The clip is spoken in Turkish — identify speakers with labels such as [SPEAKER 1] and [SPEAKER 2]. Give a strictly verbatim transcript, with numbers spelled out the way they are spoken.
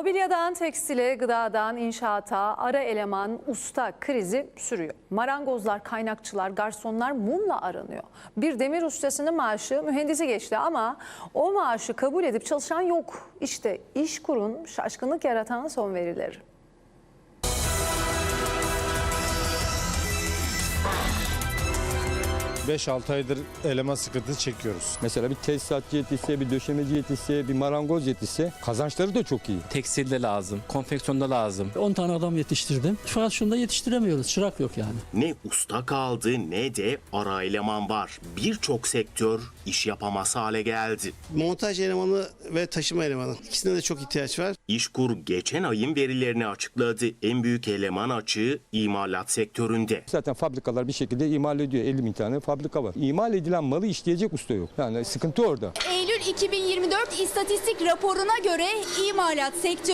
[SPEAKER 1] Mobilyadan tekstile, gıdadan inşaata ara eleman, usta krizi sürüyor. Marangozlar, kaynakçılar, garsonlar mumla aranıyor. Bir demir ustasının maaşı mühendisi geçti ama o maaşı kabul edip çalışan yok. İşte İşkur'un şaşkınlık yaratan son verileri.
[SPEAKER 2] beş altı aydır eleman sıkıntısı çekiyoruz.
[SPEAKER 3] Mesela bir tesisatçı yetişse, bir döşemeci yetişse, bir marangoz yetişse kazançları da çok iyi.
[SPEAKER 4] Tekstilde lazım, konfeksiyonda lazım.
[SPEAKER 5] on tane adam yetiştirdim. Fakat şunda yetiştiremiyoruz. Çırak yok yani.
[SPEAKER 6] Ne usta kaldı ne de ara eleman var. Birçok sektör iş yapamaz hale geldi.
[SPEAKER 7] Montaj elemanı ve taşıma elemanı. İkisine de çok ihtiyaç var.
[SPEAKER 6] İşkur geçen ayın verilerini açıkladı. En büyük eleman açığı imalat sektöründe.
[SPEAKER 3] Zaten fabrikalar bir şekilde imal ediyor. elli bin tane fabrika var. İmal edilen malı işleyecek usta yok. Yani sıkıntı orada.
[SPEAKER 8] Eylül iki bin yirmi dört istatistik raporuna göre imalat sektörü